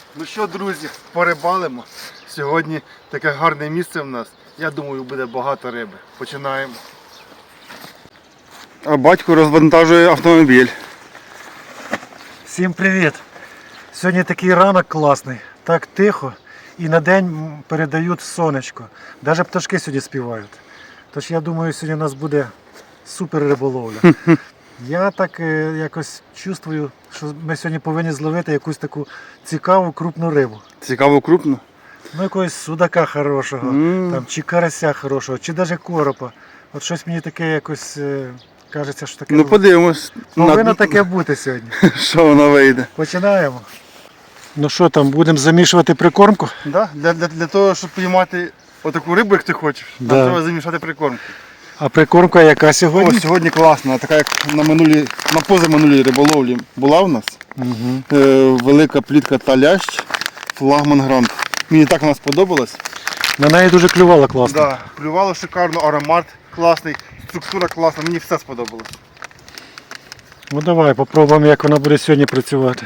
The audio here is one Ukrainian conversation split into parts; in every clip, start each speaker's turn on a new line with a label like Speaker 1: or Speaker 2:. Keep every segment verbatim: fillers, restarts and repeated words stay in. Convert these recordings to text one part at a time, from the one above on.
Speaker 1: Ну що, друзі, порибалимо. Сьогодні таке гарне місце в нас. Я думаю, буде багато риби. Починаємо. А батько розвантажує автомобіль.
Speaker 2: Всім привіт! Сьогодні такий ранок класний, так тихо і на день передають сонечко. Навіть пташки сьогодні співають. Тож я думаю, сьогодні у нас буде супер риболовля. Я так е, якось чувствую, що ми сьогодні повинні зловити якусь таку цікаву крупну рибу.
Speaker 1: Цікаво, крупно.
Speaker 2: Ну якогось судака хорошого,
Speaker 1: Mm.
Speaker 2: там, чи карася хорошого, чи навіть коропа. От щось мені таке якось е, кажеться, що таке
Speaker 1: Ну подивимось,
Speaker 2: повинно
Speaker 1: на...
Speaker 2: таке бути сьогодні.
Speaker 1: що воно вийде.
Speaker 2: Починаємо. Ну що там, будемо замішувати прикормку?
Speaker 1: Да? Для, для, для того, щоб піймати отаку рибу, як ти хочеш,
Speaker 2: Да.
Speaker 1: нам треба замішати прикормку.
Speaker 2: А прикормка яка сьогодні?
Speaker 1: О, сьогодні класна, така як на минулій, на позаминулій риболовлі була в нас.
Speaker 2: Угу.
Speaker 1: Е, велика плітка та лящ, флагман Грант. Мені так вона сподобалась.
Speaker 2: На неї дуже клювало класно.
Speaker 1: Да, плювало шикарно, аромат класний, структура класна, мені все сподобалось.
Speaker 2: Ну давай, попробуємо, як вона буде сьогодні працювати.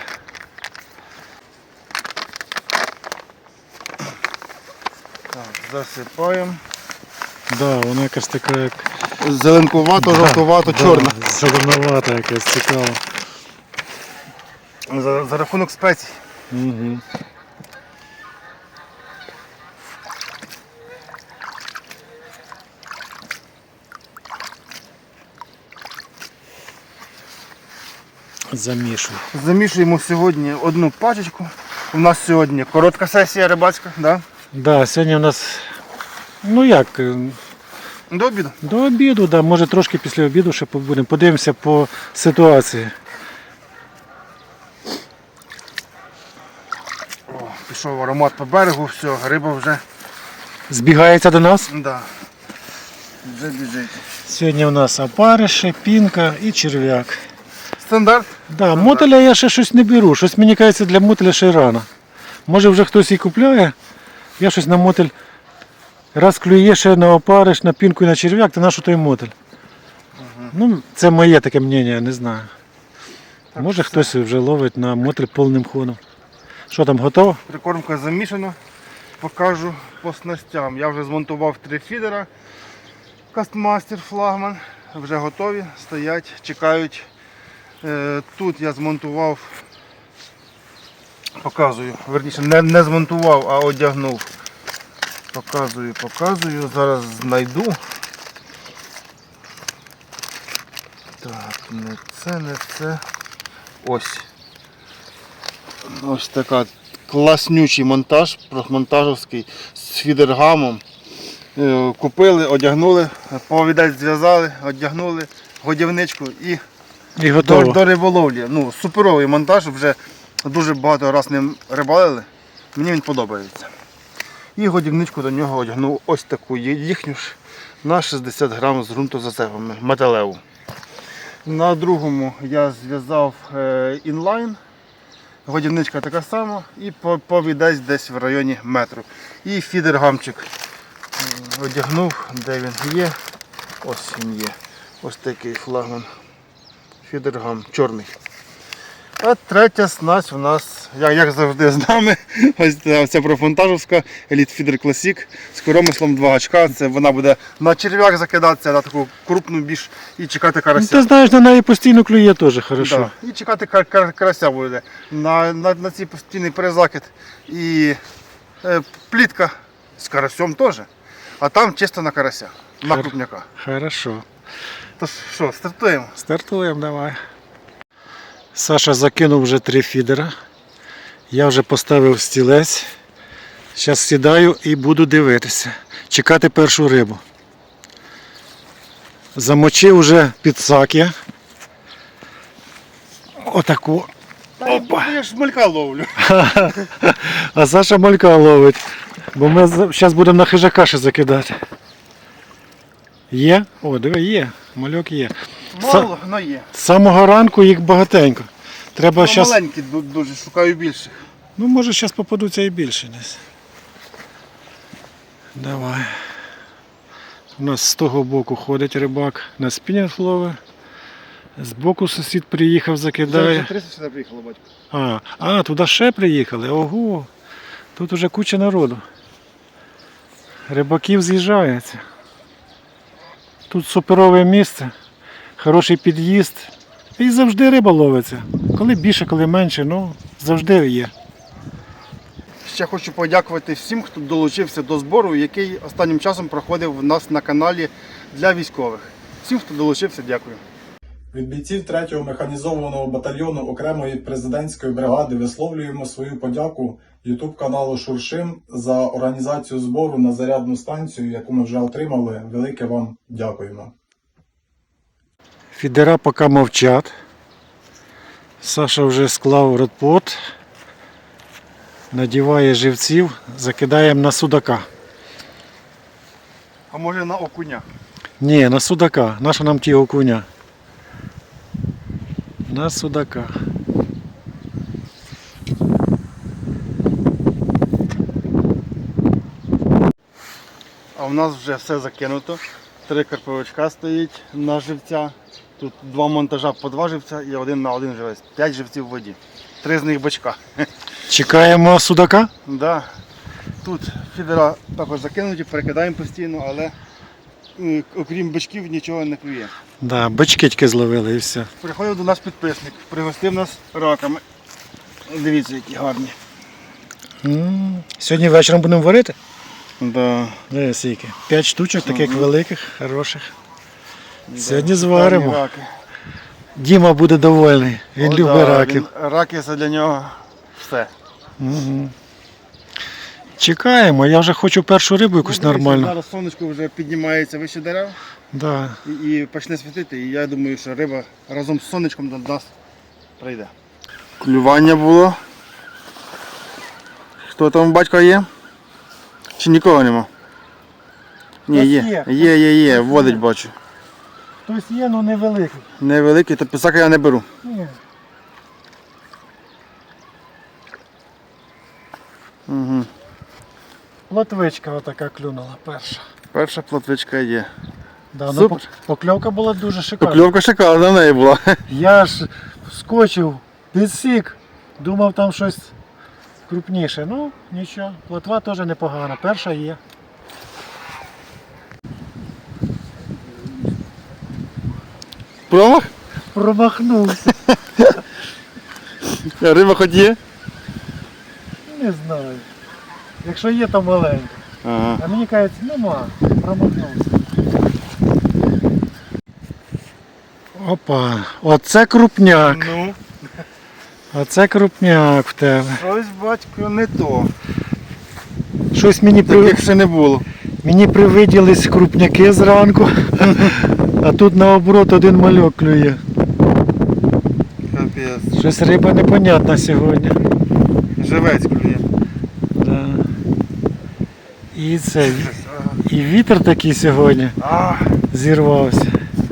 Speaker 1: Так, засипаємо.
Speaker 2: Да, вона якась така як...
Speaker 1: Зеленкувато, жовтувато, чорна.
Speaker 2: Да, зеленувата якась, цікава.
Speaker 1: За, за рахунок спецій.
Speaker 2: Угу. Замішуй.
Speaker 1: Замішуємо сьогодні одну пачечку. У нас сьогодні коротка сесія рибацька, да?
Speaker 2: Да, сьогодні у нас, ну як, е,
Speaker 1: До обіду.
Speaker 2: до обіду, да, може трошки після обіду ще побудемо. Подивимося по ситуації.
Speaker 1: О, пішов аромат по берегу, все, риба вже,
Speaker 2: Збігається до нас.
Speaker 1: да, вже біжить.
Speaker 2: Сьогодні у нас опариші, пінка і черв'як.
Speaker 1: Стандарт?
Speaker 2: Да, мотеля я ще щось не беру. Щось мені кажеться, для мотеля ще рано. Може вже хтось і купляє. Я щось на мотель. Раз клює ще на опариш, на пінку і на черв'як, то на що той мотель?
Speaker 1: Угу.
Speaker 2: Ну, це моє таке мнення, не знаю.
Speaker 1: Так,
Speaker 2: Може
Speaker 1: все.
Speaker 2: хтось вже ловить на мотель повним ходом. Що там, готово?
Speaker 1: Прикормка замішана. Покажу по снастям. Я вже змонтував три фідера. Кастмастер, флагман. Вже готові, стоять, чекають. Е, Тут я змонтував, показую, верніше не, не змонтував, а одягнув. Показую, показую, зараз знайду. Так, не це, не це. Ось. Ось така класнючий монтаж, монтажовський з фідергамом. Е, Купили, одягнули, повідець зв'язали, одягнули, годівничку і
Speaker 2: І
Speaker 1: до,
Speaker 2: готово.
Speaker 1: до риболовлі. Ну, суперовий монтаж, вже дуже багато разів ним рибалили. Мені він подобається. І годівничку до нього одягнув ось таку їхню ж на шістдесят грам з ґрунтозацепами, металеву. На другому я зв'язав е, інлайн. Годівничка така сама і повідець десь в районі метру. І фідергамчик е, одягнув, де він є. Ось він є. Ось такий флагман. Фідергам чорний. А третя снасть у нас, як, як завжди з нами, ось ця профонтажівська Elite Feeder Classic з коромислом два гачка. Це вона буде на черв'як закидатися, на таку крупну більш і чекати
Speaker 2: Ну,
Speaker 1: карася.
Speaker 2: ти знаєш, на неї постійно клює теж хорошо.
Speaker 1: Да. І чекати кар кар карася буде. На, на, на цей постійний перезакид і е, плітка з карасем теж. А там чисто на карася, на
Speaker 2: Хар-
Speaker 1: крупняка.
Speaker 2: Хорошо.
Speaker 1: Тож що, стартуємо?
Speaker 2: Стартуємо, давай. Саша закинув вже три фідера. Я вже поставив стілець. Зараз сідаю і буду дивитися. Чекати першу рибу. Замочив вже підсак я. Отаку.
Speaker 1: Опа. Я ж малька ловлю.
Speaker 2: А Саша малька ловить. Бо ми зараз будемо на хижака ще закидати. Є? О, диви, є. Мальок є.
Speaker 1: Мало, але є.
Speaker 2: З самого ранку їх багатенько. Треба
Speaker 1: Ну,
Speaker 2: щас...
Speaker 1: маленькі ду- дуже, шукаю більше.
Speaker 2: Ну, може, зараз попадуться і більше десь. Давай. У нас з того боку ходить рибак на спінінг ловить, Збоку сусід приїхав,
Speaker 1: Вже
Speaker 2: закидає.
Speaker 1: триста сюди приїхало, батько.
Speaker 2: А, а, туди ще приїхали. Ого. Тут уже куча народу. Рибаків з'їжджається. Тут суперове місце, хороший під'їзд. І завжди риба ловиться. Коли більше, коли менше, ну завжди є.
Speaker 1: Ще хочу подякувати всім, хто долучився до збору, який останнім часом проходив в нас на каналі для військових. Всім, хто долучився, дякую.
Speaker 3: Від бійців третього механізованого батальйону окремої президентської бригади висловлюємо свою подяку ютуб каналу Шуршим за організацію збору на зарядну станцію, яку ми вже отримали. Велике вам дякуємо.
Speaker 2: Фідера поки мовчать. Саша вже склав родпот, надіває живців, закидаємо на судака.
Speaker 1: А може на окуня?
Speaker 2: Ні, на судака. Наша нам ті окуня. На судака.
Speaker 1: А в нас вже все закинуто. Три карповичка стоїть на живця. Тут два монтажа по два живця і один на один живець. П'ять живців в воді. Три з них бачка.
Speaker 2: Чекаємо судака?
Speaker 1: Да. Тут фідера також закинуті, перекидаємо постійно, але е, окрім бичків нічого не клює.
Speaker 2: Да, бички тільки зловили і все.
Speaker 1: Приходив до нас підписник, пригостив нас раками. Дивіться, які гарні.
Speaker 2: М, Сьогодні вечором будемо варити?
Speaker 1: Да.
Speaker 2: Дивись, скільки. П'ять штучок таких
Speaker 1: Ага.
Speaker 2: великих, хороших. Сьогодні
Speaker 1: Да.
Speaker 2: зваримо.
Speaker 1: Гарні раки.
Speaker 2: Діма буде довольний. Він
Speaker 1: О,
Speaker 2: любить
Speaker 1: да,
Speaker 2: раків.
Speaker 1: він- Раки це для нього все.
Speaker 2: Угу. Чекаємо, я вже хочу першу рибу якусь
Speaker 1: Ну, дивіться,
Speaker 2: нормальну.
Speaker 1: Зараз сонечко вже піднімається вище дерев
Speaker 2: Да.
Speaker 1: і, і почне світити. І я думаю, що риба разом з сонечком до нас прийде. Клювання було. Хто там батько є? Чи нікого нема? Ні,
Speaker 2: Хтось
Speaker 1: є.
Speaker 2: є.
Speaker 1: Є, є, є, водить бачу.
Speaker 2: Хтось є, але невеликий.
Speaker 1: Невеликий, то писака я не беру.
Speaker 2: Ні.
Speaker 1: Угу.
Speaker 2: Плотвичка отака клюнула перша.
Speaker 1: Перша плотвичка є.
Speaker 2: Да, ну,
Speaker 1: Супер.
Speaker 2: пок- покльовка була дуже шикарна.
Speaker 1: Покльовка шикарна в неї була.
Speaker 2: Я ж вскочив, підсік, думав там щось крупніше. Ну, нічого, плотва теж непогана. Перша є.
Speaker 1: Промах?
Speaker 2: Промахнувся.
Speaker 1: Риба хоч є?
Speaker 2: Не знаю. Якщо є, то маленька.
Speaker 1: Ага.
Speaker 2: А мені кажуть, нема, промахнувся. Опа, оце крупняк.
Speaker 1: Ну,
Speaker 2: Оце крупняк в тебе.
Speaker 1: щось, батько, не то.
Speaker 2: Щось мені при...
Speaker 1: Таких ще не було.
Speaker 2: мені привиділись крупняки зранку, а тут наоборот один мальок клює.
Speaker 1: Капець.
Speaker 2: Щось риба непонятна сьогодні.
Speaker 1: Живець клює.
Speaker 2: Да. І це, і вітер такий сьогодні
Speaker 1: А,
Speaker 2: зірвався.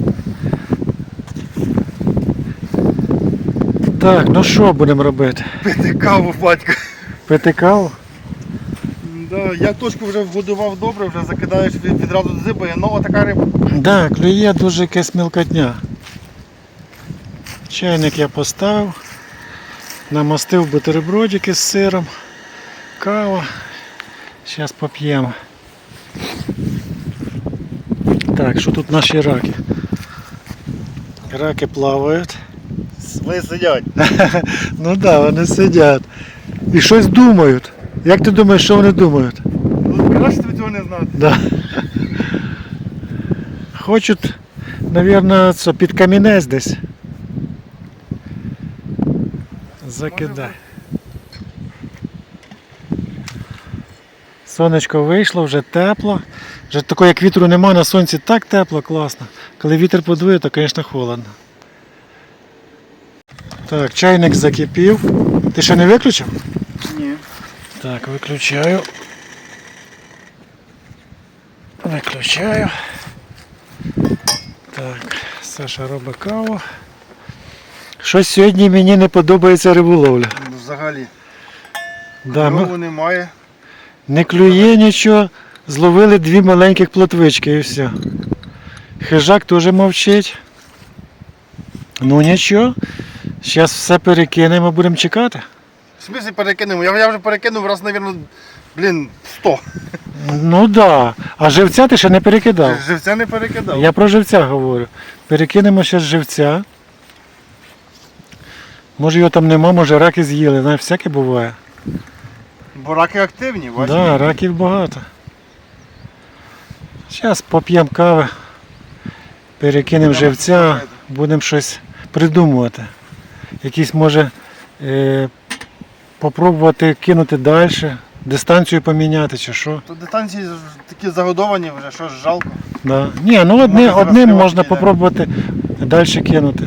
Speaker 2: Так, ну що будемо робити?
Speaker 1: пити каву, батько.
Speaker 2: Пити каву?
Speaker 1: Да, я точку вже вгодував добре, вже закидаєш від- відразу дзибає, ну така риба.
Speaker 2: Да, клює дуже якась мілкотня. Чайник я поставив, намастив бутербродики з сиром, кава. Зараз поп'ємо. Так, що тут наші раки? Раки плавають.
Speaker 1: Ви сидять.
Speaker 2: Ну так, да, вони сидять. І щось думають. Як ти думаєш, що вони думають?
Speaker 1: Ну, краще тобі цього не знати.
Speaker 2: Да. Хочуть, мабуть, це під камінець десь. Закидай. Сонечко вийшло, вже тепло. Вже такого, як вітру нема, на сонці так тепло, класно. Коли вітер подує, то, звісно, холодно. Так, чайник закипів. Ти ще не виключив?
Speaker 1: Ні.
Speaker 2: Так, виключаю. Виключаю. Так, Саша робить каву. Щось сьогодні мені не подобається риболовля.
Speaker 1: Ну, взагалі.
Speaker 2: Да, ми-
Speaker 1: Кльову немає.
Speaker 2: Не клює нічого, зловили дві маленьких плотвички і все. Хижак теж мовчить. Ну нічого, зараз все перекинемо, будемо чекати.
Speaker 1: В смысле перекинемо? Я, я вже перекинув раз, мабуть, блін, сто.
Speaker 2: Ну так, да. А живця ти ще не перекидав.
Speaker 1: Живця не перекидав.
Speaker 2: Я про живця говорю. Перекинемо ще з живця. Може його там нема, може раки з'їли, знаєш, всяке буває.
Speaker 1: Бо раки активні,
Speaker 2: Так,
Speaker 1: бачиш?
Speaker 2: да, раків багато. Зараз поп'ємо кави, перекинемо живця, будемо щось придумувати. Якісь може е, попробувати кинути далі, дистанцію поміняти чи що.
Speaker 1: Тут дистанції ж такі загодовані вже, що ж жалко.
Speaker 2: Да. Ні, ну одне,
Speaker 1: Може,
Speaker 2: одним
Speaker 1: зараз
Speaker 2: можна
Speaker 1: підійде.
Speaker 2: попробувати далі кинути.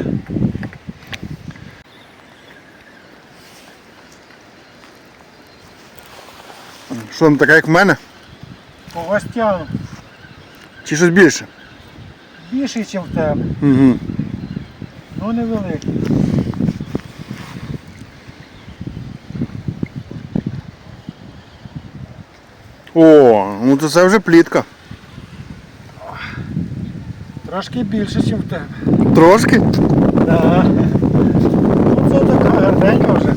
Speaker 1: Що там така, як в мене?
Speaker 2: По гостям
Speaker 1: Чи щось більше?
Speaker 2: більший, ніж в тебе,
Speaker 1: Угу.
Speaker 2: але невеликий.
Speaker 1: О, ну то це вже плітка.
Speaker 2: Трошки більше, ніж в тебе.
Speaker 1: Трошки?
Speaker 2: Да. Ну це така гарненька вже.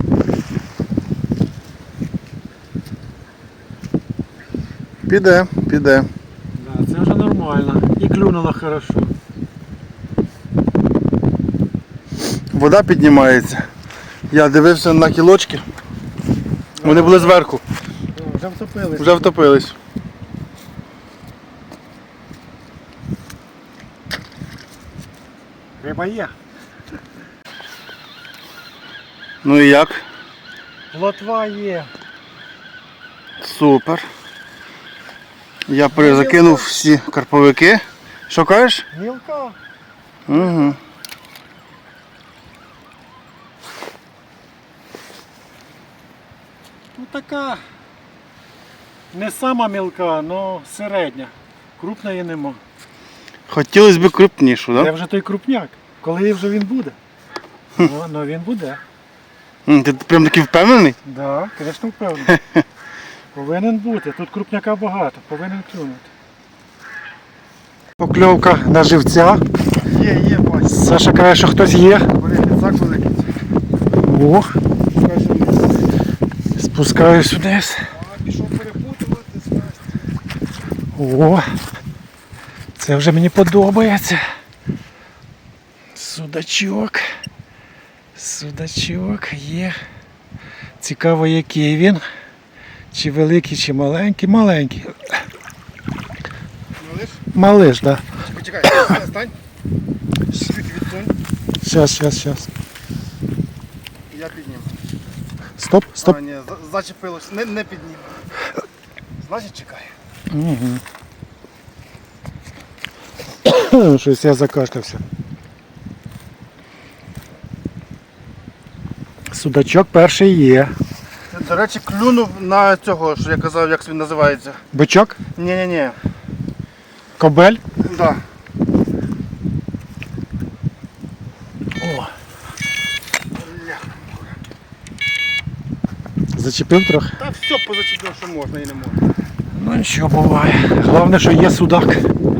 Speaker 1: Піде, піде.
Speaker 2: Да, це вже нормально. І клюнула хорошо.
Speaker 1: Вода піднімається. Я дивився на кілочки. Вони були зверху.
Speaker 2: О, вже втопились.
Speaker 1: Вже втопились.
Speaker 2: Риба є.
Speaker 1: Ну і як?
Speaker 2: Плотва є.
Speaker 1: Супер. Я перезакинув всі карповики. Що кажеш?
Speaker 2: Мілка.
Speaker 1: Угу.
Speaker 2: Ну така. Не сама мілка, але середня. Крупної нема.
Speaker 1: Хотілося б крупнішу,
Speaker 2: Це
Speaker 1: так?
Speaker 2: вже той крупняк. Коли вже він буде? Ну, ну він буде.
Speaker 1: Да? Ти прям такий впевнений?
Speaker 2: Так, да, звісно, впевнений. Повинен бути. Тут крупняка багато, повинен клюнути. Покльовка на живця.
Speaker 1: Є, є, бачу.
Speaker 2: Саша каже, що хтось є.
Speaker 1: Блін, ліцак великий.
Speaker 2: О, спускаюсь вниз.
Speaker 1: А, пішов перепутувати,
Speaker 2: О, це вже мені подобається. Судачок. Судачок є. Цікаво, який він. Чи великий, чи маленький. Маленький.
Speaker 1: Малиш?
Speaker 2: Малиш, так. Да.
Speaker 1: Почекай, стань. Чуть відсунь.
Speaker 2: Щас, щас, щас.
Speaker 1: Я підніму.
Speaker 2: Стоп, стоп.
Speaker 1: А, ні, за- зачепилось. Не, не підніму. Значить чекай.
Speaker 2: Угу. Щось я закашлявся. Судачок перший є.
Speaker 1: До речі, клюнув на цього, що я казав, як він називається.
Speaker 2: Бичок,
Speaker 1: Ні-ні-ні.
Speaker 2: кобель.
Speaker 1: Да.
Speaker 2: О. Зачепив трохи?
Speaker 1: Та все позачепив, що можна і не можна.
Speaker 2: Ну нічого буває. Головне, що є судак.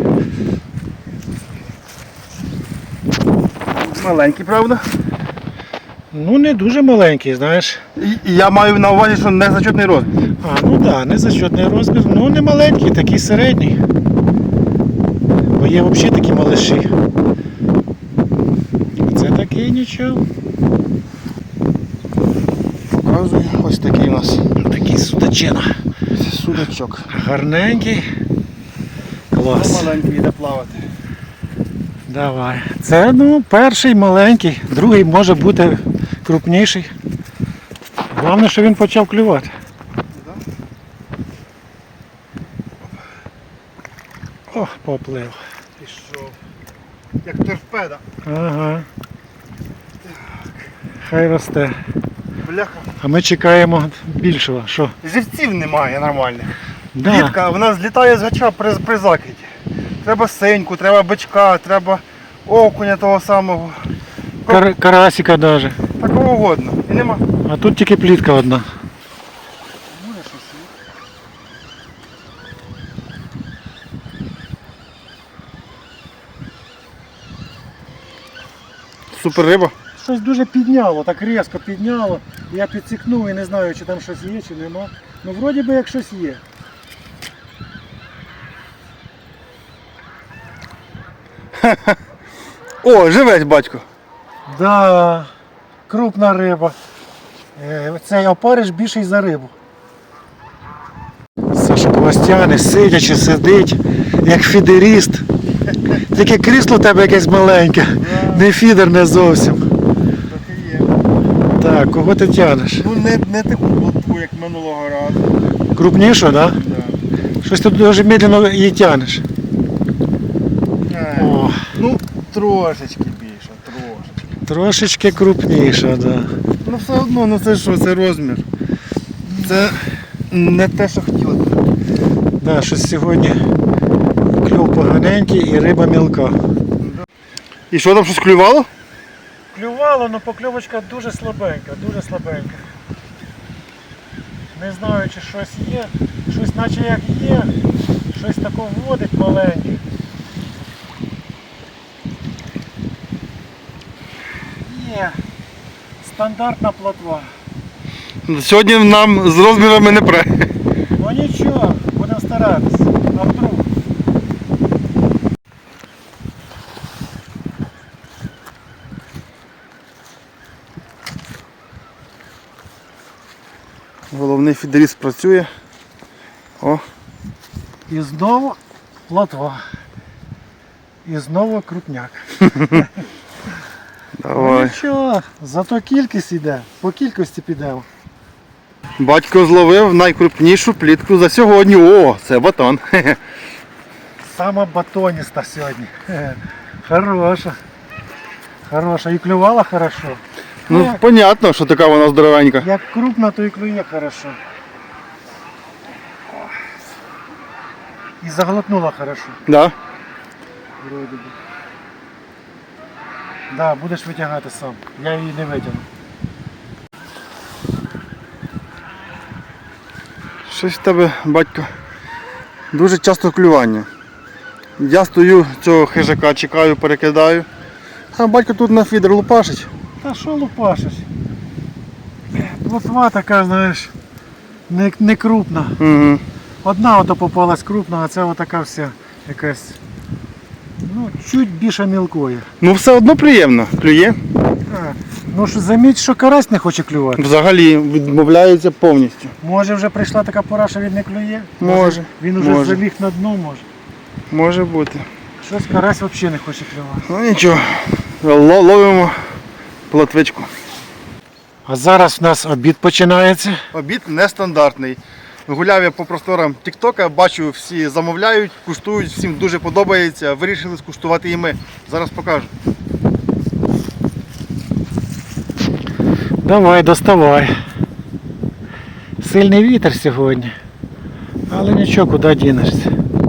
Speaker 1: Маленький, правда?
Speaker 2: Ну не дуже маленький, знаєш.
Speaker 1: І, і я маю на увазі, що не зачетний розмір.
Speaker 2: А, ну так, да, незачетний розмір, ну не маленький, такий середній. Бо є взагалі такі малиші. Це такий нічого.
Speaker 1: Показую, ось такий у нас
Speaker 2: Такий судачина.
Speaker 1: судачок.
Speaker 2: Гарненький.
Speaker 1: Це
Speaker 2: Клас.
Speaker 1: маленький йде плавати.
Speaker 2: Давай. Це ну, перший маленький, другий може бути крупніший. Головне, що він почав клювати. О, поплив.
Speaker 1: Пішов. Як торпеда.
Speaker 2: Ага. Хай росте.
Speaker 1: Бляха.
Speaker 2: А ми чекаємо більшого. Що?
Speaker 1: Живців немає нормальних.
Speaker 2: Да.
Speaker 1: Клітка, вона злітає з гача при, при закиді. Треба синьку, треба бичка, треба окуня того самого.
Speaker 2: Кар- карасика навіть.
Speaker 1: Такого угодно. І нема.
Speaker 2: А тут тільки плітка одна.
Speaker 1: Супер риба.
Speaker 2: Щось дуже підняло, так різко підняло. Я підсікнув і не знаю, чи там щось є, чи нема. Ну вроді би як щось є.
Speaker 1: О, живець, батько.
Speaker 2: Да, крупна риба. Е, Цей опариш більший за рибу. Саша Пластяни, сидячи, сидить, як фідеріст. Тільки крісло в тебе якесь маленьке, не фідер не зовсім.
Speaker 1: Так і є.
Speaker 2: Так, кого ти тянеш?
Speaker 1: Ну не, не таку плотву, як минулого разу.
Speaker 2: Крупнішу, так? Да?
Speaker 1: Да.
Speaker 2: Щось ти дуже медленно її тянеш.
Speaker 1: Е,
Speaker 2: О,
Speaker 1: Ну, трошечки більше, трошечки.
Speaker 2: трошечки крупніша, так. Да.
Speaker 1: Ну все одно, ну це що, це розмір. Це не те, що хотіли.
Speaker 2: Да, щось сьогодні клюв поганенький і риба мілка.
Speaker 1: І що там щось клювало?
Speaker 2: Клювало, але покльовочка дуже слабенька, дуже слабенька. Не знаю, чи щось є. Щось наче як є, щось таке вводить маленьке. Є. Стандартна плотва.
Speaker 1: Сьогодні нам з розмірами не пре.
Speaker 2: Ну нічого, будемо старатися. А вдруг?
Speaker 1: Головний фідеріст працює. О,
Speaker 2: І знову плотва. І знову крупняк. Ну
Speaker 1: давай.
Speaker 2: нічого, зато кількість йде, по кількості підемо.
Speaker 1: Батько зловив найкрупнішу плітку за сьогодні. О, це батон.
Speaker 2: Сама батоніста сьогодні. Хе-хе. Хороша. Хороша. І клювала хорошо.
Speaker 1: Ну,
Speaker 2: Як,
Speaker 1: понятно, що така вона здоровенька.
Speaker 2: як крупна, то і клює хорошо. І заглотнула хорошо.
Speaker 1: Да?
Speaker 2: Вроде би. Да, будеш витягати сам. Я її не витягну.
Speaker 1: Щось в тебе, батько, дуже часто клювання. Я стою цього хижака, чекаю, перекидаю. А батько тут на фідер лупашить.
Speaker 2: Та що лупашиш? Плотва така, знаєш, не, не крупна.
Speaker 1: Угу.
Speaker 2: Одна ото попалась крупна, а це отака вся якась, ну, чуть більше мілкої.
Speaker 1: Ну все одно приємно. Клює.
Speaker 2: А, ну ж заміть, що карась не хоче клювати.
Speaker 1: Взагалі відмовляється повністю.
Speaker 2: Може вже прийшла така пора, що він не клює?
Speaker 1: Може,
Speaker 2: Він уже
Speaker 1: може.
Speaker 2: заліг на дно, може.
Speaker 1: Може бути.
Speaker 2: Щось карась взагалі не хоче клювати.
Speaker 1: Ну нічого. Ло- Ловимо плотвичку.
Speaker 2: А зараз в нас обід починається.
Speaker 1: Обід нестандартний. Гуляв я по просторам Тіктока, бачу, всі замовляють, куштують, всім дуже подобається. Вирішили скуштувати і ми. Зараз покажу.
Speaker 2: Давай, доставай. Сильний вітер сьогодні. Але нічого, куди дінешся.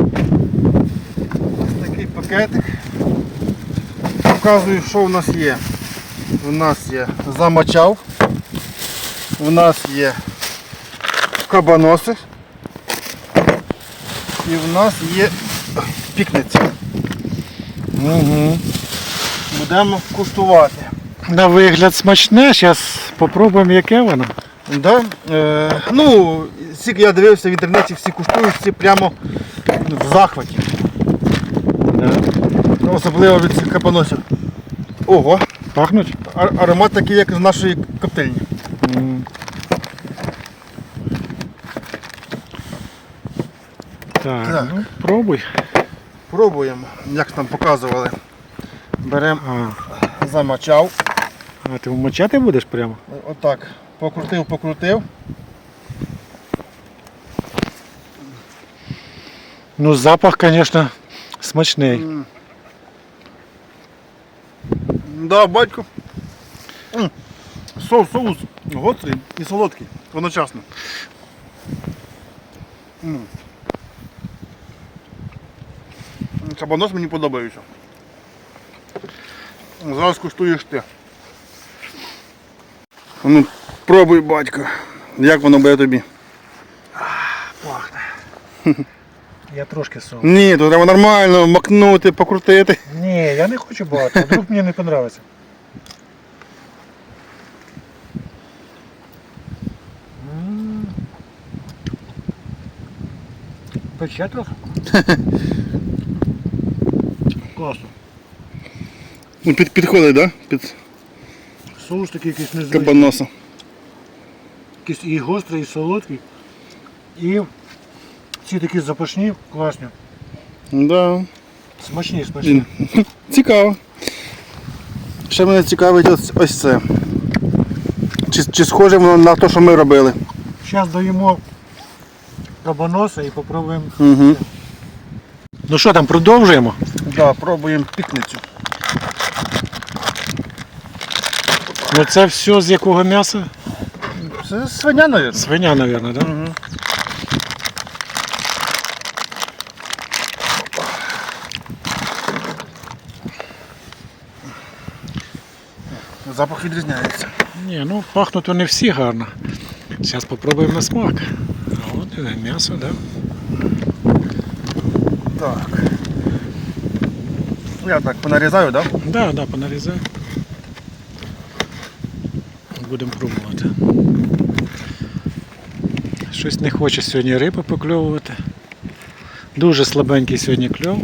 Speaker 1: Ось такий пакетик. Показую, що в нас є. У нас є замочав. У нас є кабаноси. І в нас є пікниця.
Speaker 2: Угу.
Speaker 1: Будемо куштувати.
Speaker 2: На вигляд смачне, зараз спробуємо, яке воно.
Speaker 1: Да? Е, ну, скільки я дивився в інтернеті, всі куштують, всі прямо в захваті.
Speaker 2: Да.
Speaker 1: Особливо від цих кабаносів. Ого,
Speaker 2: Пахнуть?
Speaker 1: а- аромат такий, як з нашої коптильні.
Speaker 2: М. Так,
Speaker 1: Так.
Speaker 2: ну пробуй.
Speaker 1: Пробуємо, як там показували. Беремо,
Speaker 2: А,
Speaker 1: замочав.
Speaker 2: а ти вмочати будеш прямо?
Speaker 1: Отак. Покрутив, покрутив.
Speaker 2: Ну запах, звісно, смачний.
Speaker 1: М. Да, батько. М. Соус, соус гострий і солодкий одночасно. М. Кабанос мені подобається. Зараз куштуєш ти. Ну, пробуй, батько. Як воно буде тобі?
Speaker 2: Пахне. Я трошки соус.
Speaker 1: Ні, то треба нормально макнути, покрутити.
Speaker 2: Ні, я не хочу багато, вдруг мені не подобається. Пече трохи. Класно.
Speaker 1: Ну, під, підходить, да? Під
Speaker 2: Соус такий якийсь незвичний.
Speaker 1: кабаноса.
Speaker 2: Якийсь і гострий, і солодкий. І ці такі запашні, класні.
Speaker 1: Да.
Speaker 2: Смачні, смачні.
Speaker 1: Цікаво. Ще мене цікавить ось, ось це. Чи, чи схоже воно на те, що ми робили?
Speaker 2: Зараз даємо кабаноса і попробуємо.
Speaker 1: Угу.
Speaker 2: Ну що там, продовжуємо?
Speaker 1: Да, пробуємо пітницю.
Speaker 2: Ну це все з якого м'яса?
Speaker 1: Це свиня, мабуть.
Speaker 2: Свиня, мабуть, так? Да?
Speaker 1: Угу. Запах відрізняється.
Speaker 2: Ні, ну пахнуть вони всі гарно. Зараз спробуємо на смак. А от і м'ясо, так? Да?
Speaker 1: Так. Я так понарізаю, так? Да?
Speaker 2: Так, да, да, понарізай. Будемо пробувати. Щось не хоче сьогодні риби покльовувати. Дуже слабенький сьогодні кльов.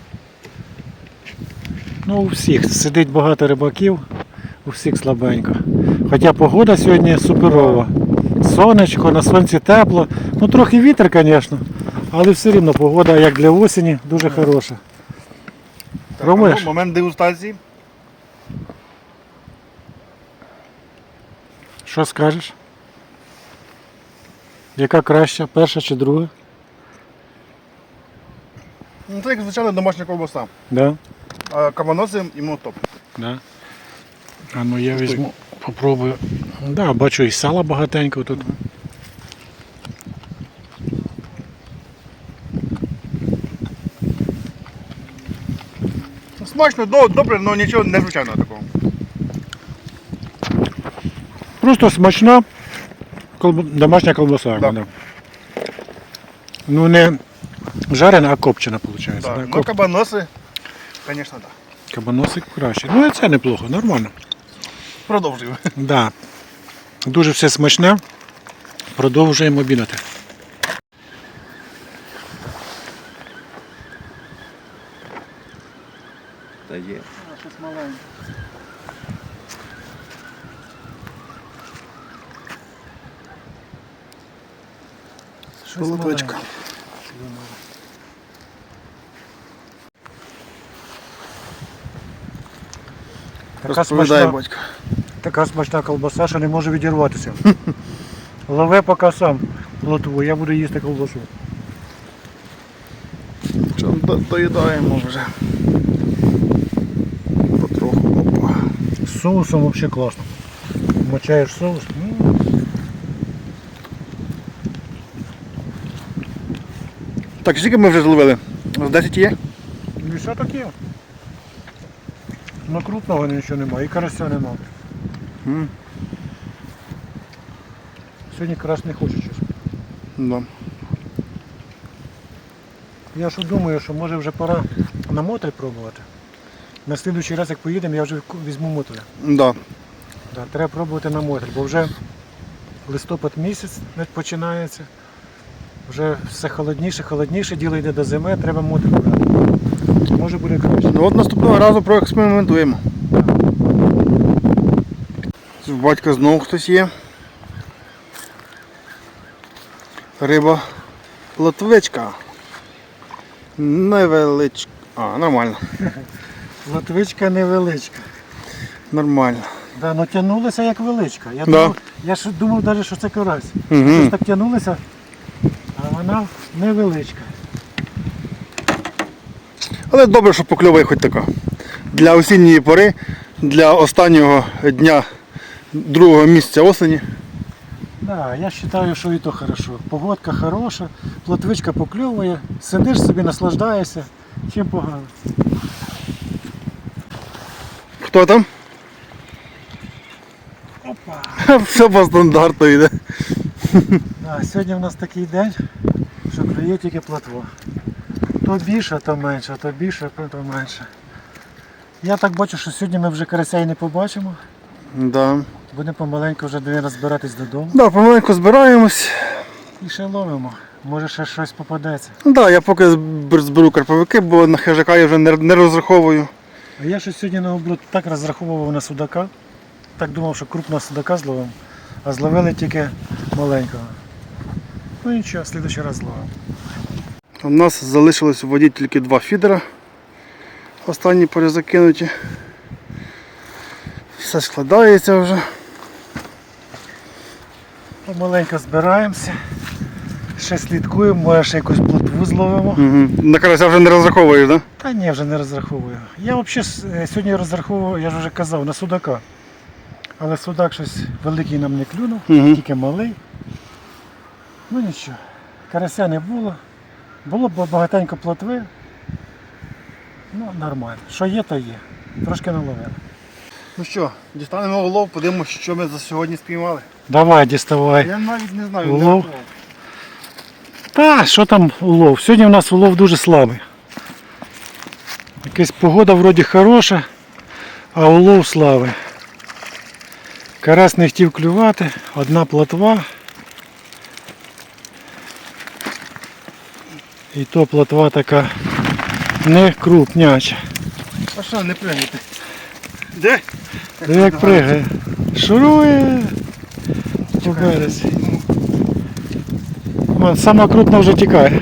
Speaker 2: Ну, у всіх сидить багато рибаків, у всіх слабенько. Хоча погода сьогодні суперова. Сонечко, на сонці тепло. Ну трохи вітер, звісно, але все рівно погода, як для осені, дуже хороша. Пробуєш?
Speaker 1: Момент дегустації.
Speaker 2: Що скажеш? Яка краща, перша чи друга?
Speaker 1: Ну, це як звичайно домашня ковбаса.
Speaker 2: Да?
Speaker 1: А кабаноси йому топ.
Speaker 2: Да. А ну я візьму, попробую. Да, бачу і сала багатенько тут.
Speaker 1: Смачно, до- добре, але нічого незвичайного такого.
Speaker 2: Просто смачна колб... домашня колбаса.
Speaker 1: Да.
Speaker 2: Да. Ну не жарена, а копчена виходить.
Speaker 1: Так.
Speaker 2: Да?
Speaker 1: Ну,
Speaker 2: Коп...
Speaker 1: кабаноси, звісно, так.
Speaker 2: Кабаносик краще. Ну і це неплохо, нормально.
Speaker 1: Продовжуємо.
Speaker 2: Да. Дуже все смачне. Продовжуємо обідати.
Speaker 1: Та є.
Speaker 2: Щось маленьке.
Speaker 1: Шолоточка.
Speaker 2: Така
Speaker 1: Розповідає
Speaker 2: смачна,
Speaker 1: батько.
Speaker 2: така смачна колбаса, що не може відірватися. Лови поки сам плотву, я буду їсти колбасу.
Speaker 1: Що, до- доїдаємо вже. Потроху. Опа.
Speaker 2: З соусом взагалі класно. Мочаєш соус. м.
Speaker 1: Так, скільки ми вже зловили? З десять є?
Speaker 2: Ну і що таке? Ну крупного нічого немає, і карася немає.
Speaker 1: М.
Speaker 2: Сьогодні карась не хочу, чесно.
Speaker 1: Да.
Speaker 2: Я що думаю, що може вже пора на мотель пробувати. На слідуючий раз, як поїдемо, я вже візьму мотеля.
Speaker 1: Да.
Speaker 2: Да, треба пробувати на мотель, бо вже листопад місяць починається. Вже все холодніше, холодніше, діло йде до зими, треба мотель брати. Може буде краще.
Speaker 1: Ну от наступного разу проекспериментуємо. В батька знову хтось є. Риба плотвичка. Невеличка. А, нормально.
Speaker 2: Латвичка невеличка.
Speaker 1: Нормально.
Speaker 2: Да, ну тягнулася як величка. Я,
Speaker 1: Да.
Speaker 2: думав, я ж думав навіть, що це карась.
Speaker 1: Угу.
Speaker 2: Щось так тягнулися, а вона невеличка.
Speaker 1: Але добре, що покльовує хоч така. Для осінньої пори, для останнього дня другого місяця осені.
Speaker 2: Да, я вважаю, що і то хорошо. Погодка хороша, плотвичка покльовує, сидиш собі, наслаждаєшся. Чим погано.
Speaker 1: Хто там?
Speaker 2: Опа!
Speaker 1: Все по стандарту йде.
Speaker 2: Да, сьогодні в нас такий день, що клює тільки плотва. То більше, то менше, то більше, то менше. Я так бачу, що сьогодні ми вже карася і не побачимо.
Speaker 1: Да.
Speaker 2: Будемо помаленьку вже, мабуть, збиратись додому.
Speaker 1: Да, помаленьку збираємось.
Speaker 2: І ще ловимо. Може ще щось попадеться.
Speaker 1: Ну так, да, я поки зб- зберу карповики, бо на хижака я вже не, не розраховую.
Speaker 2: А я щось сьогодні наоборот так розраховував на судака. Так думав, що крупного судака зловимо, а зловили тільки маленького. Ну нічого, в слідуючий раз зловимо.
Speaker 1: У нас залишилось у воді тільки два фідера. Останні перезакинуті. Все складається вже.
Speaker 2: Помаленько збираємося. Ще слідкуємо, може ще якусь плотву зловимо.
Speaker 1: Угу. На карася вже не розраховуєш, так?
Speaker 2: Та ні, вже не розраховую. Я взагалі сьогодні розраховував, я ж вже казав, на судака. Але судак щось великий нам не клюнув,
Speaker 1: Мгм.
Speaker 2: тільки малий. Ну нічого, карася не було. Було б багатенько плотви. Ну, нормально. Що є, то є. Трошки наловили.
Speaker 1: Ну що, дістанемо улов, подивимося, що ми за сьогодні спіймали.
Speaker 2: Давай, діставай.
Speaker 1: Я навіть не знаю,
Speaker 2: Улов?
Speaker 1: де рахував.
Speaker 2: Та, що там улов? Сьогодні у нас улов дуже слабий. Якась погода вроді хороша, а улов слабий. Карась не хотів клювати, одна плотва. І то плотва така не крупняча.
Speaker 1: А що, не пригайте? Де?
Speaker 2: Диви, як пригає. Шурує по березі. Вон, сама крупна вже тікає.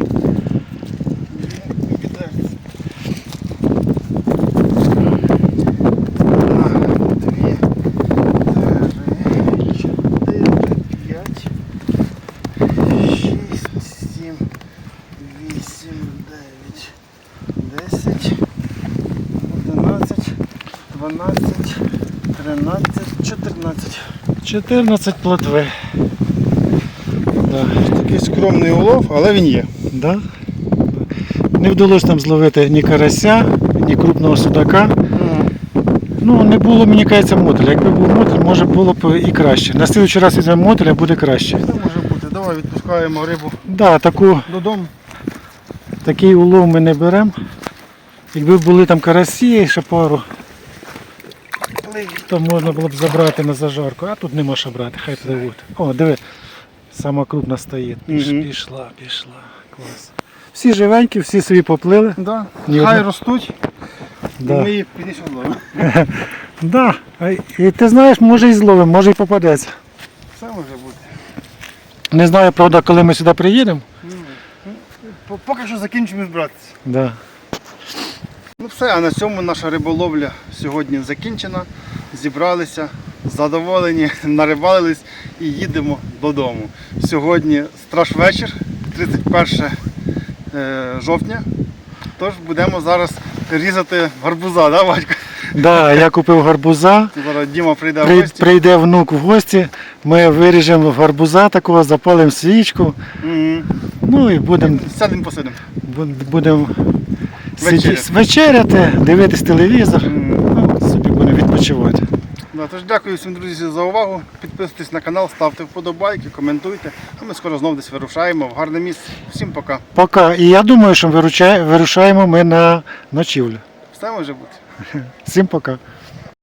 Speaker 1: чотирнадцять.
Speaker 2: чотирнадцять плотви. Да.
Speaker 1: Такий скромний улов, але він є.
Speaker 2: Да? Не вдалося нам зловити ні карася, ні крупного судака. Ну, не було, мені кажеться, мотиля. Якби був мотиль, може було б і краще. На слідчий раз візьмемо мотиля, буде краще.
Speaker 1: Це може бути. Давай відпускаємо рибу
Speaker 2: Да, таку,
Speaker 1: додому.
Speaker 2: такий улов ми не беремо. Якби були там карасі, ще пару, то можна було б забрати на зажарку. А тут нема що брати, хай пливуть. О, диви, сама крупна стоїть. Піш,
Speaker 1: Мгм.
Speaker 2: Пішла, пішла. Клас. Всі живенькі, всі собі поплили.
Speaker 1: Да.
Speaker 2: Ні
Speaker 1: Хай
Speaker 2: одна-
Speaker 1: ростуть, і
Speaker 2: Да.
Speaker 1: ми їх пізніше зловимо.
Speaker 2: Да. А І ти знаєш, може і зловимо, може і попадеться.
Speaker 1: Все може бути.
Speaker 2: Не знаю, правда, коли ми сюди приїдемо.
Speaker 1: П- Поки що закінчимо збиратися.
Speaker 2: Да.
Speaker 1: Ну все, а на цьому наша риболовля сьогодні закінчена. Зібралися, задоволені, нарибалились і їдемо додому. Сьогодні страшвечір, тридцять перше е, жовтня. Тож будемо зараз різати гарбуза, да, батько?
Speaker 2: Да, я купив гарбуза.
Speaker 1: Зараз Діма прийде в
Speaker 2: При-
Speaker 1: гості.
Speaker 2: Прийде внук в гості, ми виріжемо гарбуза такого, запалимо свічку.
Speaker 1: Мгм.
Speaker 2: Ну і будемо
Speaker 1: Сядемо посидимо.
Speaker 2: будем
Speaker 1: Вечеряти.
Speaker 2: сиді- вечеряти, дивитись телевізор.
Speaker 1: Мгм.
Speaker 2: Ну, собі будемо відпочивати.
Speaker 1: Да, тож дякую всім, друзі, за увагу. Підписуйтесь на канал, ставте вподобайки, коментуйте. А ми скоро знову десь вирушаємо в гарне місце. Всім пока.
Speaker 2: Пока. І я думаю, що виручає- вирушаємо ми на ночівлю.
Speaker 1: Все може бути.
Speaker 2: Всім пока.